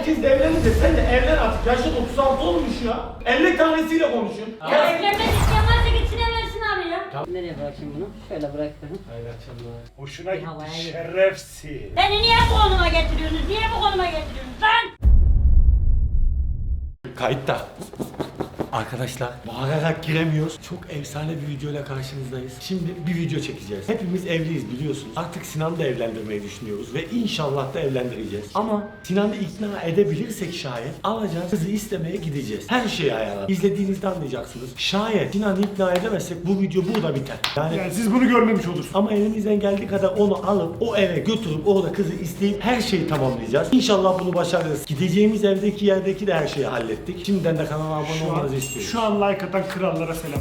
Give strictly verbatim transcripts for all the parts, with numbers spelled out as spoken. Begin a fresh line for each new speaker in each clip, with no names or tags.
herkes de evlenince sen de evlen artık. Yaşın otuz altı olmuş ya. elli tanesiyle konuşun.
Ya evlenmek isteyen varsa gitsin evlensin abi ya. Tamam. Nereye bırakayım bunu? Şöyle bıraktım.
Hayır akşamlar.
Hoşuna gitti
Havaya
şerefsiz.
Beni niye bu konuma getiriyorsunuz? Niye bu konuma getiriyorsunuz lan?
Kayıtta. Arkadaşlar bağırarak giremiyoruz. Çok efsane bir videoyla karşınızdayız. Şimdi bir video çekeceğiz. Hepimiz evliyiz biliyorsunuz. Artık Sinan'ı da evlendirmeyi düşünüyoruz ve inşallah da evlendireceğiz. Ama Sinan'ı ikna edebilirsek şayet alacağız kızı istemeye gideceğiz. Her şeyi ayarladık. İzlediğinizde anlayacaksınız. Şayet Sinan'ı ikna edemezsek bu video burada biter. Yani,
Yani siz bunu görmemiş olursunuz.
ama elimizden geldiği kadar onu alıp o eve götürüp orada kızı isteyip her şeyi tamamlayacağız. İnşallah bunu başarırız. Gideceğimiz evdeki yerdeki de her şeyi hallettik. Şimdiden de kanala abone
Şu an,
olmanızı istiyoruz.
şu an like atan krallara selam.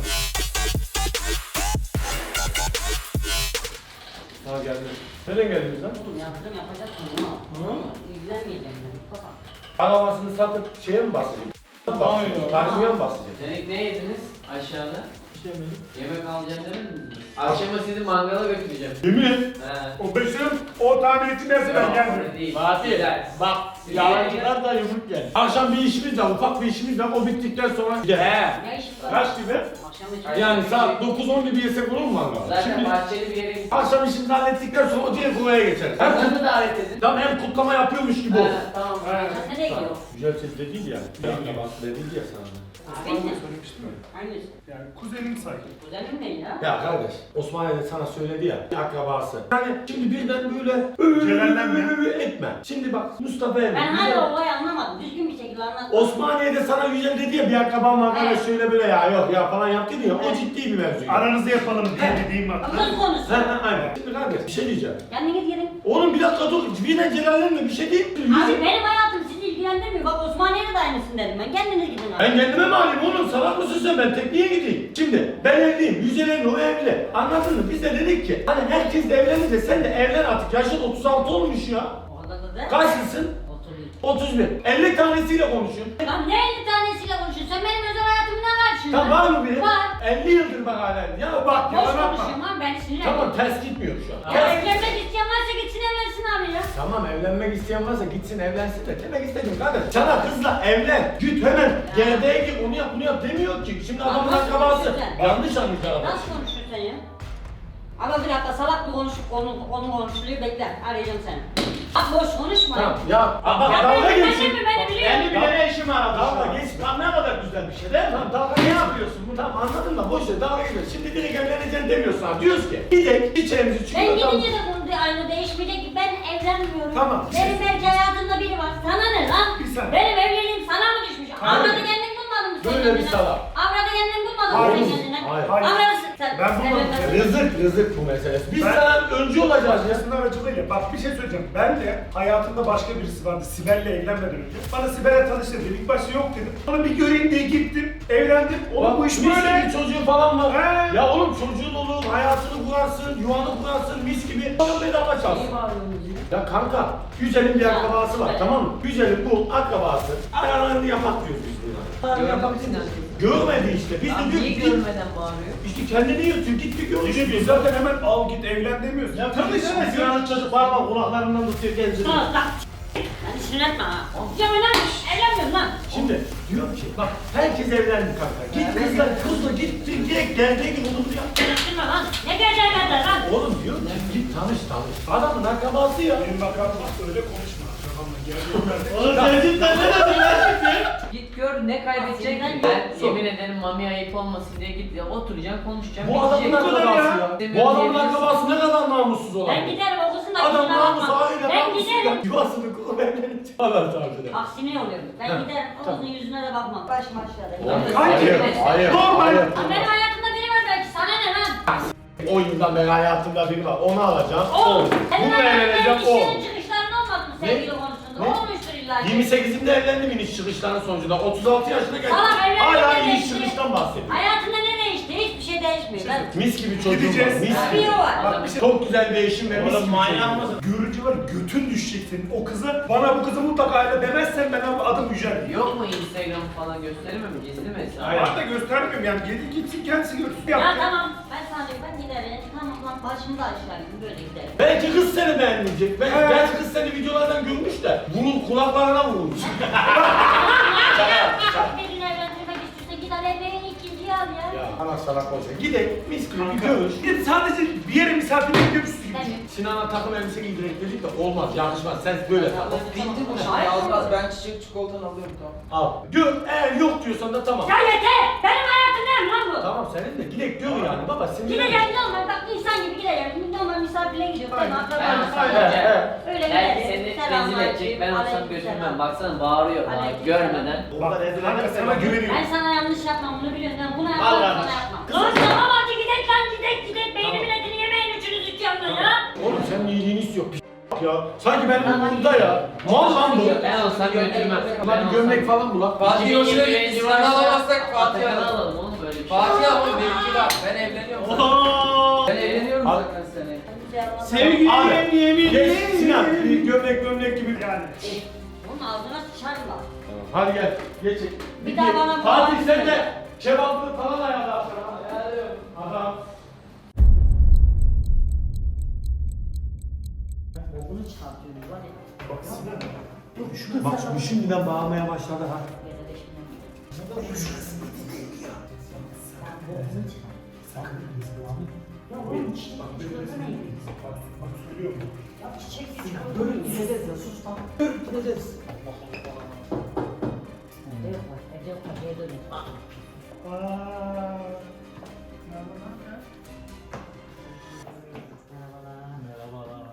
Ha geldim. Nereden geldiniz lan?
Oğlum yaptım yapacaksın bunu.
Hı?
İlgilenmeyeceğim ben. Baba.
Arabasını satıp şeye mi basacağım?
Hayır.
Karşıya mı basacağım?
Demek ne yediniz aşağıda?
İşte benim.
Yemek alacağım demediniz mi? Akşama sizi mangala götüreceğim.
Yemin et.
He.
O beşim o tamirci dersi ben geldim.
Öyle değil.
Fatih
Güzel.
bak
Siz
yalancılar da yumruk geldi. Akşam bir işimiz var, ufak bir işimiz var. O bittikten sonra gidelim.
He.
Ne iş var?
Kaç gibi?
Akşam için.
Yani saat dokuz on gibi yesek olur mu mangal?
Zaten
Şimdi
bahçeli bir yere gittik.
akşam işimizi hallettikten sonra o diğer kuraya geçeriz. Hem,
Onları davet edin.
tam hem kutlama yapıyormuş gibi olsun.
He, tamam.
Sen nereye gidiyorsun?
Güzel ses de değil ya. Yani bak dedi ya sana.
Abi
Bana
ne?
söylemiştim ben.
Hangisi?
Yani kuzenim sayılır.
Kuzenim ne ya?
Ya kardeş, Osmaniye'de sana söyledi ya, bir akrabası. Yani şimdi birden böyle
Celallenme.
etme. Şimdi bak Mustafa Emre.
Ben
Yücel-
hala olayı anlamadım. Düzgün bir şekilde anlat.
Osmaniye'de sana Yücel dedi ya, bir akraban var kardeş
Evet.
şöyle böyle ya yok ya falan yaptı ya, o
Evet.
ciddi bir mevzu.
Aranızı yapalım diye dediğim var.
Kız konusu.
Ha ha aynen. Şimdi kardeş bir şey diyeceğim.
Kendiniz gidin.
Oğlum bir dakika dur, birden celallenme bir şey değil.
Abi benim hayatım sizi ilgilendirmiyor. Bak Osmaniye'de de aynısını dedim ben. Kendiniz gidin abi.
Ben kendime mi alayım oğlum, salak mısın sen, ben tekniğe gideyim. Şimdi ben evliyim, Yücel evli, o evli. Anladın mı? Biz de dedik ki hani herkes de evlenince sen de evlen artık, yaşın otuz altı olmuş ya.
O kadar da de.
Kaçlısın?
Oturayım.
otuz bir. elli tanesiyle konuşun.
Lan ne elli tanesiyle konuşuyorsun? Sen benim özel hayatımda ne var şimdi?
Tam var mı biri?
Var.
elli yıldır bak hala. Ya bak
Boş
yalan atma.
konuşuyorum lan ben sinirlendim.
Tamam ters gitmiyor şu an.
Ya
Ters-
evlenmek isteyen varsa gitsin evlensin abi ya.
Tamam evlenmek isteyen varsa gitsin evlensin de demek istemiyorum kardeş. Sana kızla evlen, git hemen gerdeğe gir, onu yap bunu yap demiyor ki. Şimdi
Lan
adamın
nasıl
akrabası.
konuşuyorsun?
Yanlış anlıyor adam.
Nasıl konuşuyorsun sen ya? Ama bir dakika salak bir konuşup konu, konu konuşuluyor bekle arayacağım seni. Bak boş konuşma.
Tamam ya bak
Ya
dalga
ben-
geçin.
ben de mi? Beni biliyor
Beni
musun?
bile ne işim var abi? Dalga geç. Lan ne kadar güzel bir şey değil mi? Tamam dalga ne yapıyorsun? Bu tamam anladın mı? Boş ver dalga geçiyorsun. Şimdi direkt evleneceksin demiyorsun abi. Diyoruz ki gidek içerimizi
Ben
çıkıyor.
gidince de konu de- aynı değişmeyecek ki ben evlenmiyorum.
Tamam.
Benim belki hayatımda biri var. Sana ne lan?
Bir saniye.
Benim evliliğim sana mı düşmüş?
Hayır.
Avradı kendin bulmadın mı sen
Böyle bir
kendine?
salak.
Avradı kendin bulmadın mı
Hayır.
sen kendine?
Hayır.
Hayır.
Avradı sen.
Ben
sen
bulmadım.
evlenmedin.
Rızık rızık bu meselesi. Biz
Ben-
sana öncü olacağız ya.
Aslında aracılığıyla bak bir şey söyleyeceğim. Ben de hayatımda başka birisi vardı Sibel'le evlenmeden önce. Bana Sibel'le tanıştı dedi. İlk başta yok dedim. Sonra bir göreyim diye gittim. Evlendim. Oğlum bu iş
mis
böyle.
gibi çocuğu falan var.
He.
Ya oğlum çocuğun olur, hayatını kurarsın, yuvanı kurarsın, mis gibi. Oğlum bedava çalsın.
İyi bağırıyorsunuz ya.
Ya kanka, Yücel'in bir
Ya,
akrabası var
evet.
tamam mı? Yücel'in bu akrabası. Ayarlarını yapak diyoruz biz buna. Ayarlarını yapak
Görmemişsin
diyoruz.
herkes.
Görmedi işte. Biz de
Abi
diyor
niye
ki
görmeden bağırıyor?
işte kendini yırtıyor, git bir gör.
Gidip biz zaten hemen al git evlen demiyoruz.
Ya tabii canım, Sinan'ın çocuk parmağı kulaklarından tutuyor geziyor.
Sus lan. Beni sinirletme ha. Ya ben evlenmiyorum lan.
Şimdi diyor ki bak herkes evlendi kanka. Git kızla kızla git direkt geldiği gibi onu yap.
Sinirletme lan. Ne geleceğin kadar lan?
Oğlum diyor ki git tanış tanış. Adamın akrabası ya.
Benim bakalım öyle konuşma. Kafamda geldiğim yerde.
Oğlum sen cidden ne dedin lan şimdi?
Git gör ne kaybedecek.
Aslında
Ben
yok.
yemin ederim mami ayıp olmasın diye git ya oturacaksın konuşacaksın.
Bu adamın
bitecek.
akrabası
ya.
ya.
Demiyorum
Bu adamın
diyebilirsin.
akrabası ne kadar namussuz olan.
Ben giderim okusun da
Adam
kusura
namus
bakma.
aile
Ben
namussuz ya.
giderim.
Yuvasını kurup evlenecek. Allah tarzı.
Bak sinir oluyorum. Ben
Ha,
giderim
tamam.
okusun yüzüne de bakmam. Başım aşağıda.
Hayır, hayır,
Normal.
hayır.
Lan benim hayatımda biri var belki sana ne lan?
on yıldan beri hayatımda biri var. Onu alacağım.
O.
O.
Senin
Bunu evleneceğim.
hayatında
O.
işlerin çıkışların olmadı mı
Ne?
sevgili konusunda?
Ne?
Olmuştur illa ki.
yirmi sekizimde evlendim iniş çıkışların sonucunda. otuz altı yaşına geldim.
Salak evlenmek
Hala
ne
iniş
değişti?
çıkıştan bahsediyorum.
Hayatında ne değişti? Hiçbir şey değişmiyor. Ben...
Mis gibi çocuğum var.
Gideceğiz.
Mis
Bir
gibi.
o var.
Bak bir şey.
Çok güzel bir eşim ve mis gibi çocuğum var.
Görücü var götün düşecek senin. O kızı bana bu kızı mutlaka aile demezsen ben abi adım Yücel.
Yok mu Instagram falan gösterme mi? Gizli mi hesabı?
Hayır. Da göstermiyorum yani gidin gitsin kendisi görsün.
Ya
Yaptı.
tamam. Ben sana diyorum ben giderim. Tamam lan başımıza aşağı gün böyle gidelim.
Belki kız seni beğenmeyecek. Belki,
Evet.
belki kız seni videolardan görmüş de vurul kulaklarına vurulmuş.
Bir gün evlendirmek istiyorsan git al evlerin ikinciyi al ya.
Ya ana salak olacak. Gidelim mis gibi bir görüş.
Git sadece bir yere misafirlik gidiyormuşsun gibi.
Demiyorum.
Sinan'a takım elbise giydirek dedik de olmaz, yakışmaz. Sen böyle tak.
Bitti bu şimdi.
Hayır.
Az az ben çiçek çikolatan alıyorum tamam.
Al. Gör, eğer yok diyorsan da tamam.
Ya yeter! Benim hayatım ne lan bu?
Tamam senin de gidek diyor yani baba. Sinirlen-
Gideceğim normal bak insan gibi gideceğim. Normal misafirliğe gidiyorum. Değil mi?
Aynen.
Akrabalar
Aynen.
falan.
Evet.
Öyle
Belki
gidelim.
seni
Selam,
rezil edecek. Ben olsam
aleyküm
götürmem.
selam.
Baksana bağırıyor bana
Aleyküm
görmeden.
Bak kanka sana güveniyorum.
Ben sana yanlış yapmam bunu biliyorsun. Ben bunu
Al
yapmam,
kardeş.
sana yapmam. Lan tamam hadi gidek lan gidek gidek. Beynimin etini yemeyin üçünüz üç yandan ya.
Oğlum senin iyiliğini istiyor. P- ya. Sanki benim umurumda ya. Mal lan bu.
Ben olsam götürmem.
Hadi gömlek falan bulak.
Fatih hoşuna gitti.
iki bin
Sinan alamazsak Fatih
Atakan'ı
alalım.
alalım oğlum böyle bir şey.
Fatih alalım benimki var. Ben evleniyorum zaten.
Oha!
Ben evleniyorum
Al.
zaten seneye.
Sevgili
Abi,
yemin
geç Sinan. Bir gömlek gömlek gibi.
Yani.
Bunun ağzına sıçarım bak.
Hadi gel. Geç.
Bir daha bana-
Fatih sen de kebaplı falan ayarla. Adam.
Bunu çıkartıyoruz hadi.
Bak Sinan.
Bak şu şimdiden bağırmaya başladı ha.
Ya oğlum çiçek çikolata ne?
Bak söylüyorum.
Ya çiçek çikolata gideceğiz ya sus lan. Gideceğiz. Evde yok bak evde yok bak evde yok.
Aaa.
Merhabalar.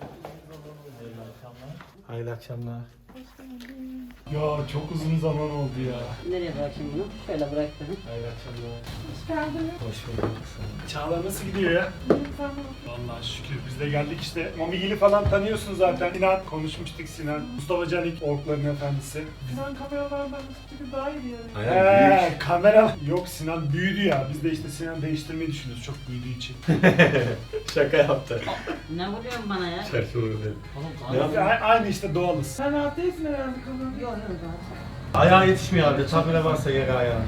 Hayırlı akşamlar.
Ya çok uzun zaman oldu ya.
Nereye bırakayım bunu? Şöyle bıraktım.
Hayırlı akşamlar.
Hoş geldin.
Hoş bulduk.
Çağla nasıl gidiyor ya? Vallahi şükür biz de geldik işte. Mamigil'i falan tanıyorsun zaten. Sinan konuşmuştuk Sinan. Mustafa Canik Orkların efendisi.
Sinan kameralardan üstü daha iyi yani.
Aynen.
Eee kamera. Yok Sinan büyüdü ya. Biz de işte Sinan değiştirmeyi düşünüyoruz çok büyüdüğü için.
Şaka yaptı.
Ne vuruyorsun bana ya?
Şaka yaptı.
Oğlum
Ne
kalk.
yaptın?
A- Aynı işte doğalız.
Sen rahat değilsin herhalde kamerada.
Yok yok rahat.
Ayağı yetişmiyor halde. Tabire varsa yer ayağı.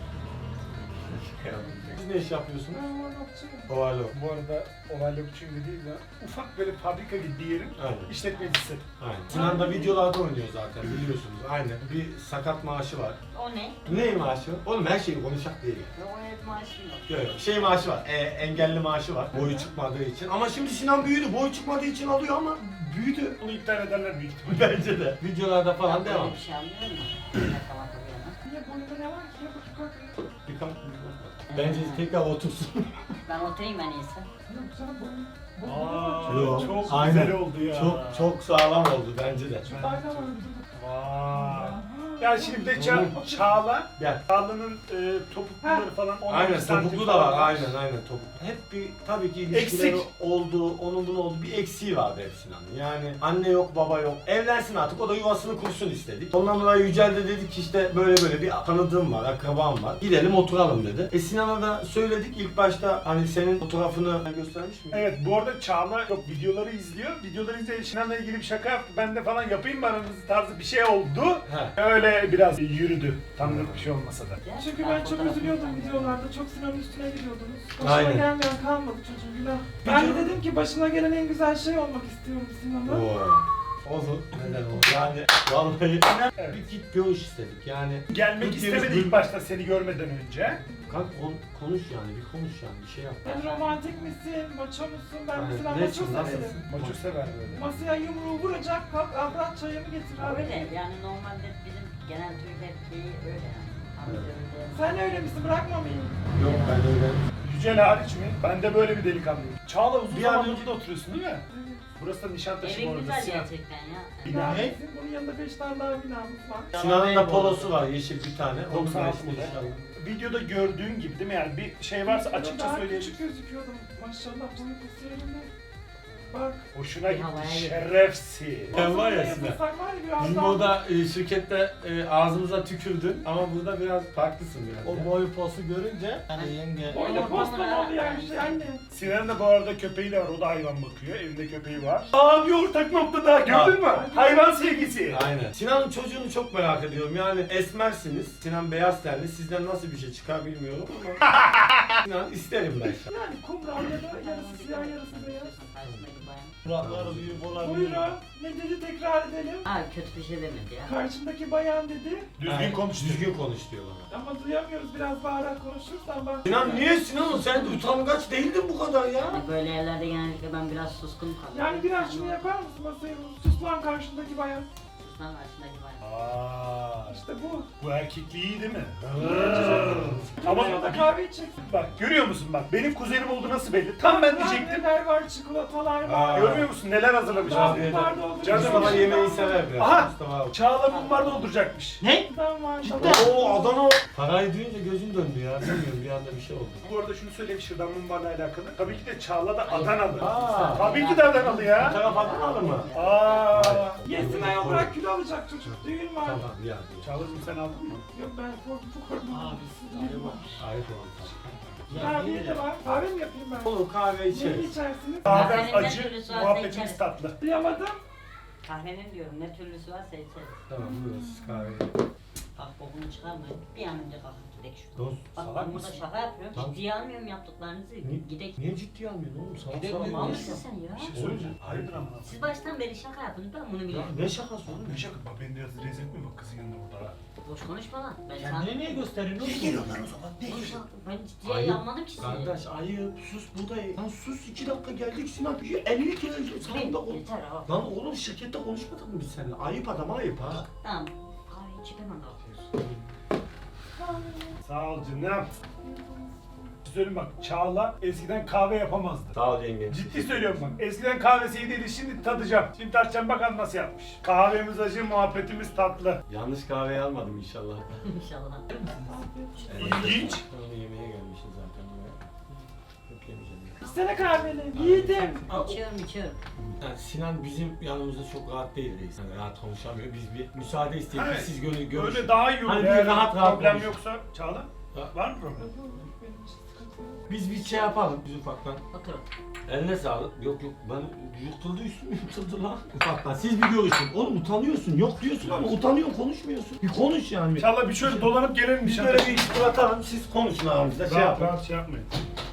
Siz ne iş yapıyorsunuz?
Ben varlıkçıyım.
Ovalo.
Bu arada Ovalokçuyum değil de ufak böyle fabrika gibi bir yerin
Aynen.
işletmecisi.
Aynen. Sinan da videolarda oynuyor zaten biliyorsunuz. Aynen. Bir sakat maaşı var.
O ne?
Ne maaşı? Oğlum her şeyi konuşak değil.
Yok o hep maaşım yok.
Yok yok. Şey maaşı var. E, engelli maaşı var. Boyu çıkmadığı için. Ama şimdi Sinan büyüdü. Boyu çıkmadığı için alıyor ama büyüdü.
Bunu iptal ederler büyük ihtimalle.
Bence de. Videolarda falan
Ben
devam.
böyle bir şey anlıyorum mu? Bir dakika bak bir yana.
Niye boyunda ne var ki? Ya bak kalk.
Bir kalk. Bence tekrar otursun.
Ben oturayım en iyisi.
Yok sana boyun.
Aa,
Yok,
çok
aynen.
güzel oldu ya.
Çok çok sağlam oldu bence de.
Aynen var bizim.
Vay. Ya şimdi bir de Ça- Çağla,
Gel.
Çağla'nın e, topukluları falan on
Aynen
bir santim
topuklu da
falan
var. Aynen aynen topuklu. Hep bir tabii ki ilişkileri
Eksik.
oldu, onun bunun oldu. Bir eksiği vardı hep Sinan'ın. Yani anne yok, baba yok. Evlensin artık. O da yuvasını kursun istedik. Ondan dolayı Yücel de dedik ki işte böyle böyle bir tanıdığım var, akrabam var. Gidelim oturalım dedi. E Sinan'a da söyledik ilk başta hani senin fotoğrafını göstermiş miyim?
Evet bu arada Çağla yok videoları izliyor. Videoları izleyip Sinan'la ilgili bir şaka yaptı. Ben de falan yapayım mı aranızda tarzı bir şey oldu.
He.
Öyle biraz yürüdü. Tanıdık bir şey olmasa da.
Çünkü ben çok üzülüyordum videolarda. Çok Sinan'ın üstüne gidiyordunuz. Başına
Aynen.
gelmeyen kalmadı çocuğum günah. Ben de dedim ki başına gelen en güzel şey olmak istiyorum Sinan'a.
Oo. Olur. Neden olur? Yani vallahi
Evet.
bir git görüş istedik. Yani
Gelmek
Türkiye'miz
istemedi
bölüm-
ilk başta seni görmeden önce.
Kanka kon- konuş yani bir konuş yani bir şey yap.
Sen romantik misin? Maço musun? Ben
Aynen.
mesela
Ne
maço
için,
severim.
nasılsın?
Maço sever böyle.
Masaya yumruğu vuracak, kalk abrat çayımı getir abi.
Öyle yani normalde bizim genel Türk erkeği öyle yani. Amca öyle.
Sen öyle misin? Bırakma beni.
Yok ben öyle.
Yücel hariç mi? Ben de böyle bir delikanlıyım. Çağla uzun
Bir an
zamandır
önce-
burada oturuyorsun değil mi? Burası da Nişantaşı bu
Evin
arada.
güzel
Sinan.
gerçekten ya.
Bina.
Ne?
Bizim bunun yanında beş tane daha binamız var.
Sinan'ın da polosu var yeşil bir tane. Onu
doksan
da
altı
işte
model.
inşallah.
Videoda gördüğün gibi değil mi? Yani bir şey varsa
Ben
açıkça
daha
söyleyebilirsin.
küçük gözüküyordum. Maşallah boyu postu yerinde. Bak.
Hoşuna
Bir
gitti
havaya girdi.
şerefsiz.
Ben var ya
Masaya
Sinan.
yatırsak var ya biraz
Bizim
daha-
orada e, şirkette e, ağzımıza tükürdün ama burada biraz farklısın biraz. O boy posu görünce hani yenge.
Öyle posta mı oldu yani işte anne.
Sinan'ın da bu arada köpeği de var. O da hayvan bakıyor. Evinde köpeği var. Aa bir ortak nokta daha gördün mü? Hayvan sevgisi.
Aynen. Sinan'ın çocuğunu çok merak ediyorum. Yani esmersiniz. Sinan beyaz tenli. Sizden nasıl bir şey çıkar bilmiyorum ama. Sinan isterim ben şu an.
Yani kumral ya da yarısı siyah yarısı beyaz.
Karşımdaki bayan.
Kulakları büyük olabilir.
Buyurun. Ne dedi tekrar edelim.
Aa kötü bir şey demedi ya.
Karşımdaki bayan dedi.
Düzgün konuş.
Düzgün konuş diyor bana.
Ama duyamıyoruz biraz bağırarak konuşursan bak.
Sinan niye Sinan? Sen utangaç değildin bu kadar ya.
Hani böyle yerlerde genellikle ben biraz suskun kalıyorum.
Yani biraz şunu yapar mısın masaya? Sus lan karşındaki bayan.
Sustan karşındaki bayan.
Aa,
İşte bu.
bu erkekliği iyi değil mi?
Ama
Ama
da kahve içeceksin.
bak görüyor musun bak benim kuzenim oldu nasıl belli. Tam ben diyecektim.
Neler var, çikolatalar var.
Aa.
Görmüyor musun neler hazırlamış
Daha
abi.
bunlar da olur.
Canım
Mustafa yemeği sever biraz.
Aha!
Mustafa abi.
Çağla mumbar dolduracakmış.
Ne?
Ben var.
Oo Adana. Parayı duyunca gözün döndü ya. Bilmiyorum bir anda bir şey oldu.
Bu arada şunu söyleyeyim şırdan mumbarla alakalı. Tabii ki de Çağla da Adanalı.
Aa.
Tabii ki de Adanalı
Bu
ya.
taraf Adanalı mı?
Aa.
Yesin ayol bırak kilo alacak çocuk. Düğün var.
Tamam ya.
Çağla'cığım sen aldın mı?
Yok ben korktum korktum.
Ayıp oldu.
Kahve de var. Kahve mi yapayım ben?
Olur kahve
Ne
içeriz.
içersiniz?
Kahvem
Kahvenin ne
acı,
türlüsü varsa
muhabbetimiz
içeriz.
tatlı.
Duyamadım.
Kahvenin diyorum ne türlüsü varsa içeriz.
Tamam buyurun siz kahve.
Bak bokunu çıkarmayın. Bir an önce kalkıp gidelim şuradan.
Dost
Bak
salak
ben burada
mısın?
şaka yapıyorum.
Tamam.
Ciddiye almıyorum yaptıklarınızı.
Ni-
Gidek.
Niye ciddiye almıyorsun oğlum? Salak
Gidek
salak.
mal mısın sen ya?
Bir şey söyleyeceğim. Hayırdır ama.
Siz baştan beri şaka yapın ben bunu
Ya
biliyorum.
ne şakası oğlum?
Ne şaka? Bak beni biraz rezil etme bak kızın yanında burada.
Boş konuşma lan. Ben
Kendine niye gösteriyorsun?
Ne geliyorlar o zaman? Ne
Boş
geliyor?
Ben ciddiye
Ayıp.
almadım ki sizi.
Kardeş ayıp sus buradayım. Lan sus iki dakika geldik Sinan. elli kere sağında ol.
Yeter ha.
Lan oğlum şirkette konuşmadık mı biz seninle? Ayıp adam ayıp ha.
Tamam. Kahve içip hemen kalkıyorsun.
Sağ ol canım. Bir şey söyleyeyim bak Çağla eskiden kahve yapamazdı.
Sağ ol yenge.
Ciddi söylüyorum bak. Eskiden kahvesi iyi değildi şimdi tadacağım. Şimdi tartacağım bakalım nasıl yapmış. Kahvemiz acı, muhabbetimiz tatlı.
Yanlış kahveyi almadım inşallah.
İnşallah.
İlginç.
Öyle yemeğe gelmişiz zaten buraya. Yok yemeyeceğim.
İçsene kahveni. Yiğidim.
İçiyorum içiyorum.
Yani Sinan bizim yanımızda çok rahat değil reis. Yani rahat konuşamıyor. Biz bir müsaade istedik.
Evet.
Siz görün görüş.
Öyle daha iyi olur.
Hani bir
Eğer
rahat rahat
problem
konuş.
yoksa Çağla
Ha.
var mı problem?
Benim için sıkıntı yok.
Biz bir şey yapalım. Biz ufaktan.
Oturun.
Eline sağlık. Yok yok ben yırtıldı üstüm yırtıldı lan. Ufaktan siz bir görüşün. Oğlum utanıyorsun. Yok diyorsun ama utanıyorsun konuşmuyorsun. Bir konuş yani.
Çağla bir şöyle dolanıp gelelim
Biz
dışarı.
böyle bir iki tur atalım. Siz konuşun aramızda. Şey
Rahat
yapın.
rahat şey yapmayın.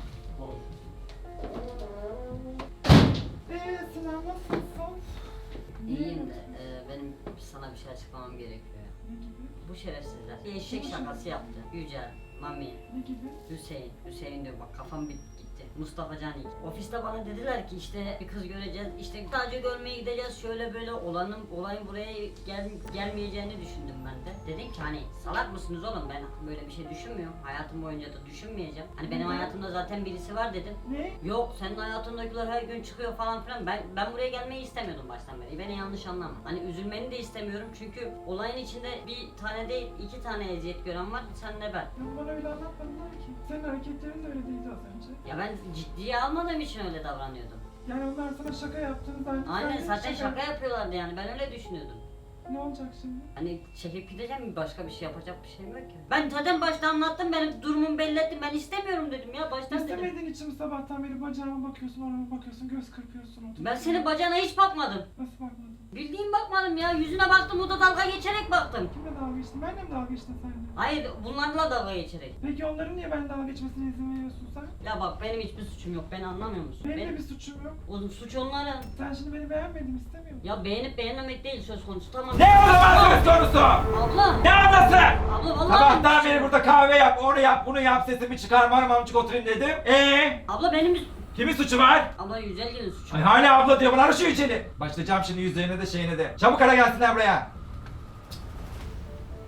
Eee Sinan nasılsın?
İyiyim de e, benim sana bir şey açıklamam gerekiyor.
Ne gibi?
Bu şerefsizler bir eşek şakası yaptı. Yücel, Mami,
Ne gibi?
Hüseyin. Hüseyin diyor bak kafam bir gitti. Mustafa Canik. Ofiste bana dediler ki işte bir kız göreceğiz. İşte sadece görmeye gideceğiz. Şöyle böyle olanın olayın buraya gel, gelmeyeceğini düşündüm ben de. Dedim ki hani salak mısınız oğlum ben böyle bir şey düşünmüyorum. Hayatım boyunca da düşünmeyeceğim. Hani benim hayatımda zaten birisi var dedim.
Ne?
Yok senin hayatındakiler her gün çıkıyor falan filan. Ben ben buraya gelmeyi istemiyordum baştan beri. Beni yanlış anlama. Hani üzülmeni de istemiyorum çünkü olayın içinde bir tane değil iki tane eziyet gören var. Sen ne ben.
Ya bana öyle anlatmadılar ki. Senin hareketlerin de öyle değildi az önce.
Ya ben ciddiye almadığım için öyle davranıyordum.
Yani onlar sana şaka yaptığını zannedip
Aynen
sen de
zaten şaka yapıyorlardı yani ben öyle düşünüyordum.
Ne olacak şimdi?
Hani çekip gideceğim başka bir şey yapacak bir şeyim yok ki. Ben zaten başta anlattım benim durumumu belli ettim ben istemiyorum dedim ya baştan dedim.
İstemediğin için mi sabahtan beri bacağıma bakıyorsun, orama bakıyorsun, göz kırpıyorsun. oturuyorsun?
Ben senin bacağına hiç bakmadım.
Nasıl bakmadın?
Bildiğin bakmadım ya yüzüne baktım o da dalga geçerek baktım.
Kimle dalga geçtin? Benle mi dalga geçtin sen de?
Hayır bunlarla dalga geçerek.
Peki onların niye ben dalga geçmesine izin veriyorsun sen?
Ya bak benim hiçbir suçum yok beni anlamıyor musun?
Benim de
Benim,
bir suçum yok.
o suç onların.
Sen şimdi beni beğenmedin istemiyor musun?
Ya beğenip beğenmemek değil söz konusu tamam.
Ne o zaman söz konusu?
Abla!
Ne anası?
Abla vallahi
Sabahtan
benim
beri burada kahve yap, onu yap, bunu yap, sesimi çıkarma, mamcık oturayım dedim. Eee?
Abla benim bir...
Kimin suçu var?
Abla yüzel gelin suçu.
Ay hala abla diyor, bana şu içeri. Başlayacağım şimdi yüzlerine de şeyine de. Çabuk ara gelsinler buraya.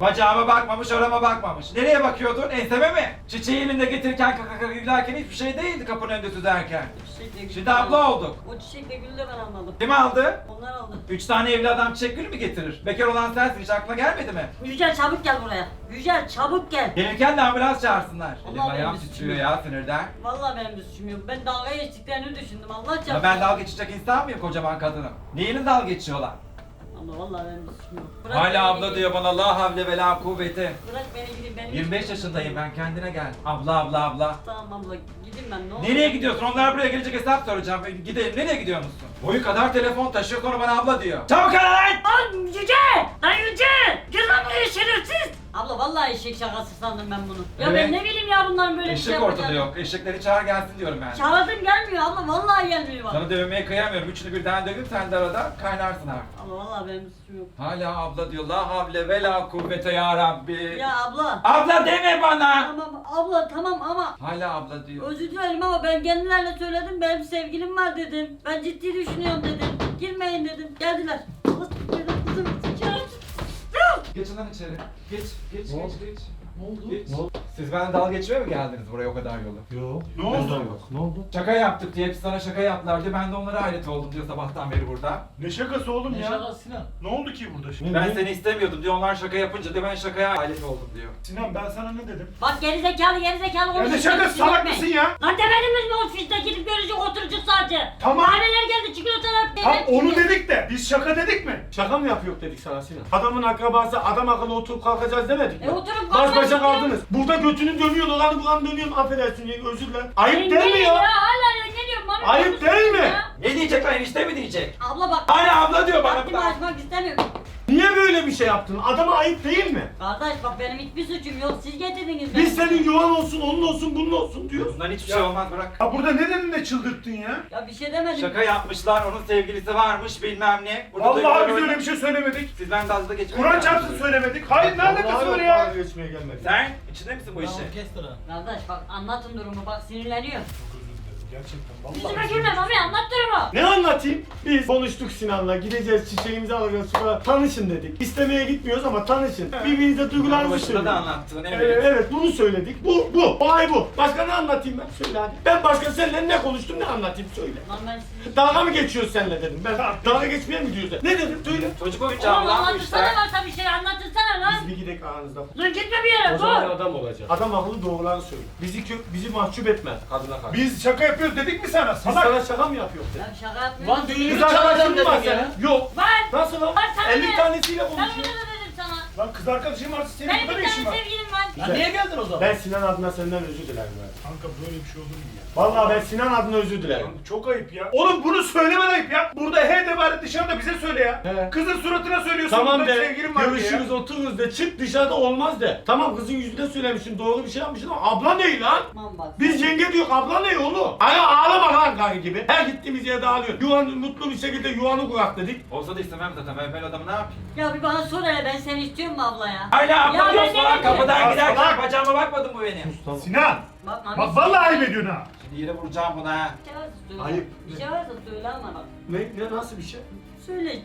Bacağıma bakmamış, orama bakmamış. Nereye bakıyordun? Enseme mi? Çiçeği elinde getirirken kaka kaka gülerken hiçbir şey değildi kapının önünde tüzerken.
Çiçekle gül
Şimdi
de
abla
ben-
olduk.
O çiçekle gülü de ben almadım.
Kim aldı?
Onlar aldı.
Üç tane evli adam çiçek gül mü getirir? Bekar olan sensin, hiç aklına gelmedi mi?
Yücel çabuk gel buraya. Yücel çabuk gel.
Gelirken de ambulans çağırsınlar. Elim
Allah
ayağım
benim
titriyor
üstüme.
ya sinirden.
Vallahi benim de suçum yok. Ben dalga geçtiklerini düşündüm. Allah çarpsın.
Ya ben dalga geçecek insan mıyım kocaman kadınım? Neyini dalga geçiyorlar?
Ama vallahi benim de suçum yok. Bırak
Hala
beni
abla
gideyim.
diyor bana la havle ve la kuvveti.
Bırak beni gideyim. Benim
yirmi beş
hiçbir
yaşındayım
suçum yok.
ben, kendine gel. Abla abla abla.
Tamam abla gideyim ben ne olur.
Nereye gidiyorsun? Onlar buraya gelecek hesap soracağım. Gidelim. Nereye gidiyor musun? Boyu kadar telefon taşıyor sonra bana abla diyor. Çabuk ara lan!
Lan Yücel! Lan Yücel! Gel lan buraya şerefsiz! Abla vallahi eşek şakası sandım ben bunu. Ya
Evet.
ben ne bileyim ya bunların böyle bir şey
Eşek ortada
yapacağını.
yok. Eşekleri çağır gelsin diyorum ben.
Çağırdım gelmiyor abla vallahi gelmiyor bak.
Sana dövmeye kıyamıyorum. Üçünü birden dövüp sen de arada kaynarsın artık.
Abla vallahi benim suçum yok.
Hala abla diyor. La havle ve la kuvvete ya Rabbi.
Ya abla.
Abla deme bana.
Tamam abla tamam ama
Hala abla diyor.
özür dilerim ama ben kendilerine söyledim benim sevgilim var dedim. Ben ciddi düşünüyorum dedim. Girmeyin dedim. Geldiler. Allah dedim kızım şerefsiz.
Geçin lan içeri. Geç, geç,
Ne
geç,
oldu?
geç.
Ne oldu?
Geç.
Ne oldu?
Siz benden dalga geçmeye mi geldiniz buraya o kadar yolu?
Yok.
Ne oldu?
Yok. Ne oldu?
Şaka yaptık diye hepsi sana şaka yaptılar diyor. Ben de onlara hayret oldum diyor sabahtan beri burada.
Ne şakası oğlum
Ne
ya?
şakası Sinan?
Ne oldu ki burada şimdi?
Ne?
Ben seni istemiyordum diyor. Onlar şaka yapınca diyor ben şakaya hayret oldum diyor.
Sinan ben sana ne dedim?
Bak gerizekalı gerizekalı
Ya ne
konuşuyor.
şakası salak mısın ya?
Lan demediniz mi ofiste gidip görecek oturacak sadece?
Tamam.
Kahveler geldi çikolatalar.
Tam
peynir
onu
çıktı.
dedik de biz şaka dedik mi?
Şaka mı yapıyor dedik sana Sinan? Adamın akrabası adam akıllı oturup kalkacağız demedik mi?
E oturup
Baş
kalkmak
başa
istiyor.
kaldınız. Burada götünü dönüyor dolanı bulan dönüyorum. Affedersin yenge özür dilerim. Ayıp değil mi
Yengeyim
ya?
Hala yengeliyorum. Bana
Ayıp
konuşuyorsun
değil mi?
ya.
Ne diyecek lan enişte mi diyecek?
Abla bak.
Hala abla diyor bana.
Haddimi açmak istemiyorum.
Niye böyle bir şey yaptın? Adama ayıp değil mi?
Kardeş bak benim hiçbir suçum yok. Siz getirdiniz beni.
Biz senin yuvan olsun, onun olsun, bunun olsun diyoruz.
Bundan hiçbir şey olmaz bırak.
Ya burada ne dedin de çıldırttın ya?
Ya bir şey demedim.
Şaka yapmışlar, onun sevgilisi varmış bilmem ne. Burada
Vallahi
duygular
biz
oyna-
öyle bir şey söylemedik.
Siz ben dalga geçmeye
Kur'an
geldiniz.
çarpsın söylemedik. Hayır ne alakası
Vallahi
var
yok,
ya?
dalga geçmeye gelmedik.
Sen içinde misin bu işe?
Kardeş bak anlatın durumu bak sinirleniyor.
Gerçekten
Yüzüme
vallahi.
gülme mami anlat durumu.
Ne anlatayım? Biz konuştuk Sinan'la, gideceğiz çiçeğimizi alacağız sonra tanışın dedik. İstemeye gitmiyoruz ama tanışın. Birbirinize duygularınızı
Başında
söyleyin.
da anlattın evet.
Evet, evet bunu söyledik. Bu, bu, olay bu. Başka ne anlatayım ben? Söyle hadi. Ben başka seninle ne konuştum ne anlatayım söyle.
Lan ben sizi...
Dalga mı geçiyoruz seninle dedim. Ben dalga geçmeye mi gidiyoruz? Ne dedim? Söyle.
Çocuk oyuncağı
Oğlum
lan bu
anlatırsana
işler.
varsa bir şey anlatırsana lan.
Biz bir gidelim aranızda.
Dur gitme bir yere
O zaman
dur.
adam olacak. Adam akıllı doğruları söyle. Bizi kö bizi mahcup etme kadına karşı. Biz,
Biz şaka yapıyoruz dedik mi sana?
biz
Salak.
sana şaka mı yapıyoruz?
Ya
dedim.
şaka yapmıyorum.
Lan düğünü
Kız
çalacağım
arkadaşın
dedim
var
ya.
senin. Yok.
Var.
Nasıl lan?
Var sana
elli
ne?
tanesiyle
Ben
konuşuyor.
öyle de dedim sana.
Lan kız arkadaşım varsa senin
Benim
burada
bir
ne işin
tane
var?
sevgilim var.
Ya niye geldin o zaman?
Ben Sinan adına senden özür dilerim. ben.
Kanka böyle bir şey olur mu ya?
Vallahi ben Sinan adına özür dilerim.
Kanka çok ayıp ya. Oğlum bunu söylemen ayıp ya. Burada he de bari dışarıda bize söyle ya.
He.
Kızın suratına söylüyorsun.
Tamam
burada
de,
sevgilim var diye
görüşürüz
ya.
otururuz de, çık dışarıda olmaz de. Tamam kızın yüzüne söylemişsin, doğru bir şey yapmışsın ama abla ne lan?
Aman bak.
Biz yenge diyor, abla ne oğlum? Hani ağlama lan kanka gibi. Her gittiğimiz yerde ağlıyor. Yuvan, mutlu bir şekilde yuvanı kurak dedik.
Olsa da istemem zaten ben böyle adamı ne yapayım?
Ya bir bana sor hele ben seni istiyorum mu abla ya?
Hala
Ya
abla
ben
diyorsun
ne
lan
diyeyim?
kapıdan
Ya
giderken
salak.
bacağıma bakmadın mı benim?
Sinan.
Bak mami.
Bak vallahi ayıp ediyorsun ha.
Şimdi yere vuracağım buna ha.
Bir şey varsa söyle.
Ayıp.
Bir şey varsa söyle ama bak.
Ne, ne nasıl bir şey?
Söyle.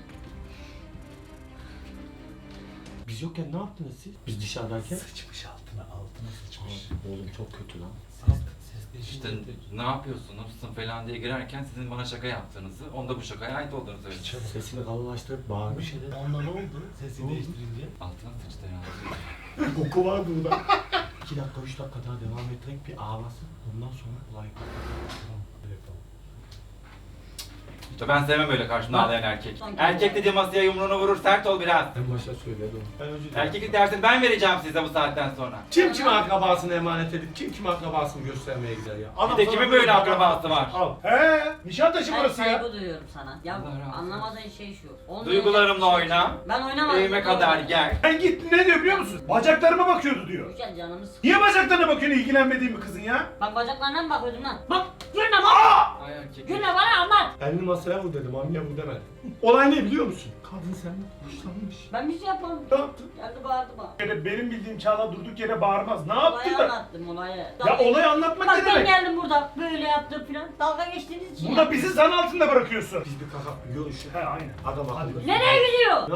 Biz yokken ne yaptınız siz? Biz dışarıdayken.
Sıçmış altına, altına sıçmış.
Oğlum çok kötü lan.
İşte ne yapıyorsunuz falan diye girerken sizin bana şaka yaptığınızı, onda bu şakaya ait olduğunu söyledim.
Sesini kalınlaştırıp bağırmış.
Bir şeyden onunla ne oldu? Sesi değiştirince.
Altına sıçtı ya.
Koku var burada. İki dakika, üç dakika daha devam ettirek bir ağlasın. Ondan sonra olay
İşte ben sevmem öyle karşımda ağlayan erkek.
Sanki-
Erkek dediği masaya yumruğunu vurur, sert ol biraz.
En başta söyledim. Ben özür dilerim.
Erkeklik dersini ben vereceğim size bu saatten sonra.
Kim kime akrabasını emanet edip kim kime akrabasını göstermeye gider ya?
Bir de
sana
kimin böyle
bak-
akrabası var?
Al.
He, Nişantaşı
Ben
burası ya.
saygı duyuyorum sana. Ya
Allah razı olsun.
anlamadığın şey şu. Onunla
Duygularımla
ilgili bir şey
oyna.
yok. Ben oynamadım.
Evime kadar gel.
Ben gitti ne diyor biliyor musun? Bacaklarıma bakıyordu diyor.
Güzel canımı sık.
Niye bacaklarına bakıyorsun ilgilenmediğin bir kızın ya?
Bak bacaklarına mı bakıyordum lan? Bak gülme bak.
Ay erkek.
Gülme bana anlat.
Elini masaya vur dedim, anneye vur demedim. Olay ne biliyor musun? Kadın senden hoşlanmış.
Ben bir şey yapmadım.
Ne yaptın?
Geldi bağırdı bana.
Yere benim bildiğim Çağla durduk yere bağırmaz. Ne
Olayı
yaptı da?
anlattım olayı.
Ya olayı anlatmak
Bak
ne
ben
demek?
geldim burada böyle yaptım filan. Dalga geçtiğiniz için
Burada
ya.
bizi zan altında bırakıyorsun.
Biz bir kakak bir görüşü.
He aynen.
Adam akıllı.
Nereye gidiyor?
Ne yap-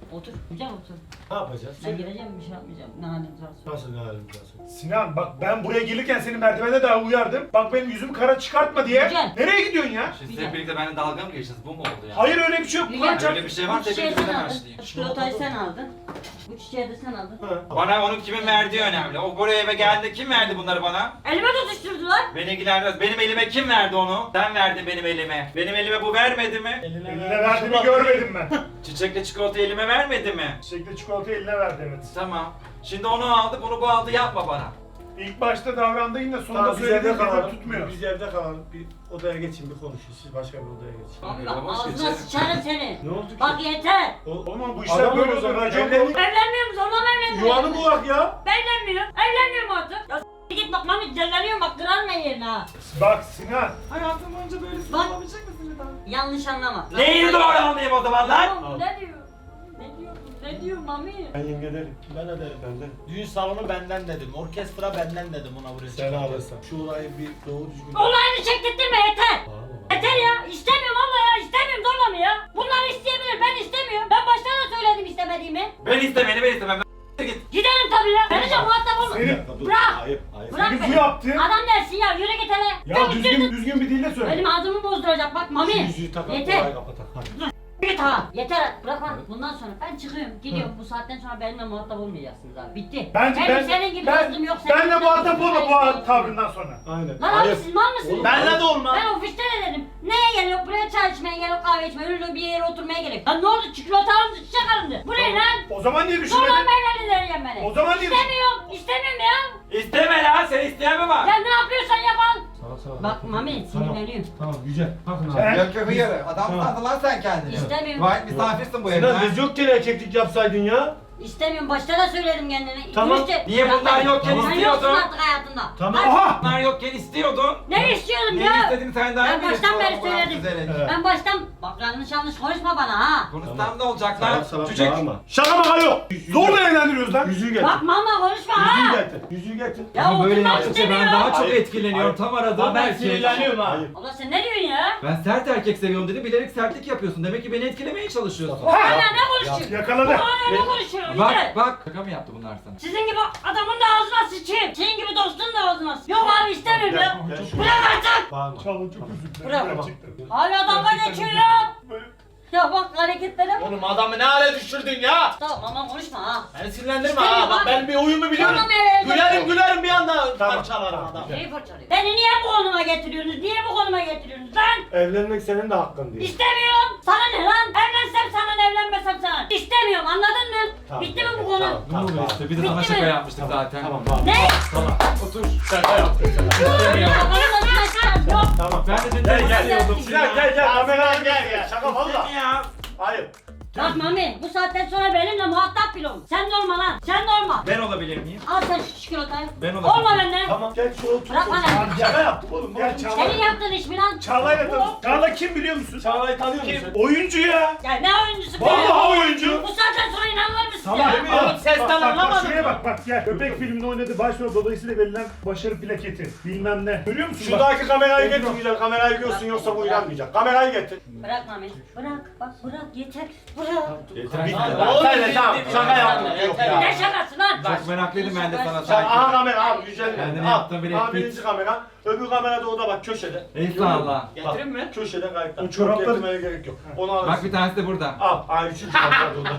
Otur. Güzel otur.
Ne yapacağız?
Ben gireceğim bir şey yapmayacağım. Ne haliniz varsa.
Nasıl ne halimiz varsa?
Sinan bak ben buraya gelirken seni merdivende daha uyardım. Bak benim yüzümü kara çıkartma diye.
Güzel.
Nereye gidiyorsun ya?
Siz hep birlikte benimle dalga mı geçtiniz? Bu mu oldu ya?
Hayır öyle bir şey yok.
Güzel.
Kur'an çarpsın.
Öyle bir şey
Bu
varsa
çiçeği
hepinize
sen aldın.
karşılayayım.
Çikolatayı sen aldın. Bu çiçeği de sen aldın.
Bana onun kimin verdiği önemli. O buraya eve geldi. Kim verdi bunları bana?
Elime tutuşturdular.
Beni ilgilenmez. Benim elime kim verdi onu? Sen verdin benim elime. Benim elime bu vermedi mi?
Eline verdiğini görmedim ben.
Çiçekle çikolata elime vermedi mi?
Çiçekle çikolatayı eline verdi evet.
Tamam. Şimdi onu aldı, bunu bu aldı, yapma bana.
İlk başta davrandığın yine sonunda
Tamam biz
söylediğin
evde
gibi
kalalım.
tutmuyor.
Biz evde kalalım. Bir odaya geçin bir konuşun. Siz başka bir odaya geçin.
Abi
Yavaş
bak ağzına
geçelim.
sıçarım seni.
Ne oldu ki?
Bak yeter.
O,
Oğlum bu işler
Adam
böyle
o zaman,
olur. Racon
evlenin.
bu.
Evlenmiyorum zorla mı evlenmiyorum?
yuvanı bulak ya.
Ben evlenmiyorum. Evlenmiyorum artık. Ya s- git bak mami celleniyorum bak kırarma yerine ha.
Bak Sinan.
Hayatım boyunca böyle
Bak.
olabilecek misin bir daha?
Yanlış anlama.
Neyi doğru anlayayım o zaman lan?
Oğlum, Ne diyor? Ne diyor? Ne diyor mami?
Ben yenge derim.
Ben ederim.
Ben derim.
Düğün salonu benden dedim. Orkestra benden dedim ona buraya.
Sen alırsan. Şu olayı bir doğru düzgün...
Olayını çektirtme yeter.
Bağırma.
Yeter ya. İstemiyorum abla ya. İstemiyorum zorla mı ya? Bunlar isteyebilir. Ben istemiyorum. Ben baştan da söyledim istemediğimi.
Ben istemeni ben istemem. Ben git.
Gidelim tabii ya. Benimle muhatap olma.
Senin-
Bir dakika, dur.
Bırak.
Ayıp, ayıp.
Bırak
Senin bu
beni.
yaptığın-
Adam dersin ya. Yürü git hele.
Ya düzgün düzgün bir dille söyle.
Benim ağzımı bozduracak bak
Şu
mami.
yüzüğü takalım,
Yeter.
olayı kapatak. Hadi.
Git ha. Yeter. Bırak lan. Bundan sonra ben çıkıyorum. Gidiyorum. Bu saatten sonra benimle muhatap olmayacaksınız abi. Bitti.
Bence
Benim
ben,
senin gibi
ben,
dostum yok. senin
benle
gibi
muhatap
dostum
olma
yok.
bu tavrından sonra.
Aynen.
Lan abi siz mal mısınız?
Benle de olmaz.
Ben ofiste de dedim. Neye geliyor? Buraya çay içmeye geliyor, kahve içmeye, öyle bir yere oturmaya gerek. Lan ne oldu? Çikolata alındı, çiçek alındı. Bu ne lan?
O zaman niye
Zorla
düşünmedin?
meyveli vereceğim beni.
O zaman niye
İstemiyorum, istemiyorum ya.
İsteme lan, sen isteyen mi var?
Ya ne yapıyorsan yap al.
Sağa sağa.
Bak Mami sinirleniyorum.
Tamam güzel. Bakın abi.
Sen-
Yok yok hayır. Adam
Tamam.
sandın lan sen kendini.
İstemiyorum.
Vay misafirsin bu evde.
Sinan
ha?
biz yokken erkeklik yapsaydın ya.
İstemiyorum. Başta da söyledim kendine.
Tamam.
İşte-
Niye
Bırak
bunlar
beni.
yokken
Sen
istiyordun?
yoksun artık hayatımda.
Tamam.
Hadi.
Aha!
Bunlar yokken istiyordun.
Ne istiyordum
Ne
ya?
istediğini sen daha
Ben
iyi
baştan
biliyorsun.
beri
Allah
söyledim.
güzel
Evet.
Ben baştan... Bak yanlış yanlış konuşma bana ha.
Konuşsam ne olacak
Salak
lan?
salak
Çocuk.
bağırma.
Şaka maka yok. Zorla evlendiriyoruz lan.
Yüzüğü getir.
Bak mama konuşma
Yüzüğü
ha.
getir. Yüzüğü getir.
Ya
Ama böyle
oturmak
yaptıkça ben
istemiyorum.
daha çok
Hayır.
etkileniyorum. Tam aradığım
Ama ben
erkek.
sinirleniyorum ha.
Hayır.
Abla sen ne diyorsun ya?
Ben sert erkek seviyorum dedi. Bilerek sertlik yapıyorsun. Demek ki beni etkilemeye çalışıyorsun.
Hala ne konuşuyorsun?
Yakaladı.
Hala ne konuşuyorsun?
Bak
İşte.
bak. Şaka mı yaptı bunlar sana?
Sizin gibi adamın da ağzına sıçayım. Senin gibi dostun da ağzına sıçayım. Yok abi istemiyorum ya.
Gel, gel.
Bırak artık.
Bağırma.
Çağla çok özür dilerim.
Bırak.
Gerçekten.
Hala dalga geçiyor ya.
Böyle-
Ya bak hareketlere bak.
Oğlum adamı ne hale düşürdün ya?
Tamam ama konuşma ha.
Beni sinirlendirme
İstemiyorum
ha. Bak
abi.
ben bir oyumu biliyorum.
Tamam, evet,
Gülerim
evet.
gülerim bir anda
Tamam.
parçalarım adam.
Neyi fırçalıyor? Beni niye bu konuma getiriyorsunuz? Niye bu konuma getiriyorsunuz lan?
Evlenmek senin de hakkın değil.
İstemiyorum. Sana ne lan? Evlensem sana evlenmesem sana. İstemiyorum anladın mı?
Tamam,
Bitti mi bu
tamam,
konu?
tamam.
Ne oluyor işte? Bir de sana
Bitti
şaka
mi?
yapmıştık zaten.
Tamam bağırma.
Ne?
Otur.
Şaka yaptım.
İstemiyorum.
Kafamı başlar. Yok.
Tamam.
Ben de
Gel
dinlemek
gel.
istiyordum.
Sinan gel gel. Kameraya gel gel. Şaka valla.
Ya.
Hayır.
Bak Mami bu saatten sonra benimle muhatap bile ol. Sen de olma lan. Sen de olma.
Ben olabilir miyim?
Al sen şu çikolatayı.
Ben olabilirim.
Olma benden.
Tamam gel şu otur.
Bırak bana.
Şaka yaptım oğlum.
Gel Çağla.
Senin yaptığın iş mi lan?
Çağla'yla tanış. Çağla kim biliyor musun?
Çağla'yı tanıyor musun?
Oyuncu ya.
Ya ne oyuncusu be?
Vallahi oyuncu.
Bu saatten sonra inanılır mısın
Tamam.
ya?
Oğlum sesten
Bak, bak, bak,
anlamadım.
şuraya bak bak gel. Köpek filminde oynadı. Başrol dolayısıyla verilen başarı plaketi. Bilmem ne. Görüyor musun? bak?
Şuradaki kamerayı getir güzel. Kamerayı görsün yoksa bu inanmayacak. Kamerayı getir.
Bırak Mami. Bırak. Bak bırak yeter. Bırak.
Yeter.
Tamam,
Bitti.
oğlum,
Sen de
bitti,
tamam.
bitti.
Şaka yaptım.
Yeter
Yok
ya.
ya.
Ne şakası lan?
Çok meraklıydım ben de sana
Sen
sanki.
aha kamera al güzel.
Kendini
Al.
yaptın, bir
Al
et
birinci kamera. Öbür kamerada o da bak köşede.
Eyvallah.
Getireyim mi?
Köşede kayıtta.
O
O
çoraplar-
çorapları getirmeye gerek yok. Onu alırsın.
Bak bir tanesi de burada.
Al. Ay üçüncü kamera orada.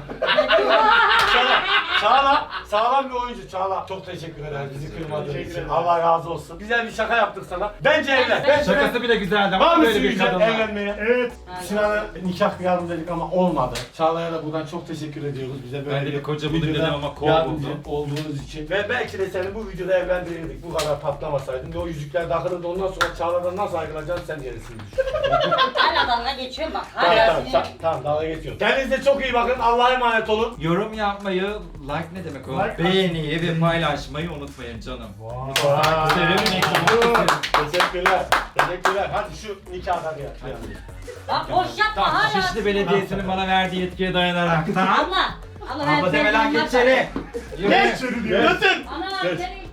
Çağla. Çağla. Sağlam bir oyuncu Çağla. Çok teşekkür ederiz bizi kırmadığın
Teşekkür
için.
ederim.
Allah razı olsun. Güzel bir şaka yaptık sana. Bence evlen. Bence
Şakası bile güzeldi
Var
ama
mısın
böyle bir
güzel
kadınla.
evlenmeye?
Evet.
Sinan'a nikah kıyalım dedik ama olmadı. Çağla'ya da buradan çok teşekkür ediyoruz bize böyle
Ben de bir koca buldum
videoda
dedim ama kol
yardımcı
buldum.
olduğunuz için. Ve belki de seni bu videoda evlendirirdik. Bu kadar patlamasaydın. Ve o yüzükler takılırdı. Ondan sonra Çağla'dan nasıl ayrılacaksın sen gerisini düşün.
Hala dalga geçiyorum bak.
tamam
Hala
tamam,
sinir.
tamam, tamam dalga geçiyorum. Kendinize çok iyi bakın. Allah'a emanet olun.
Yorum yapmayı, like ne demek o?
Like
Beğeniyi ve paylaşmayı unutmayın canım.
Vay.
Severim ekranı.
Teşekkürler. Teşekkürler. Hadi şu nikahdan ya.
Bak boş yapma hala.
Şişli Belediyesi'nin bana verdiği yetkiye dayanarak. Tamam.
Abla. Abla ben
Abla deme lan
sevdiğim
geç içeri.
Geç içeri diyor.
Götür.
Ana
Geç.
seni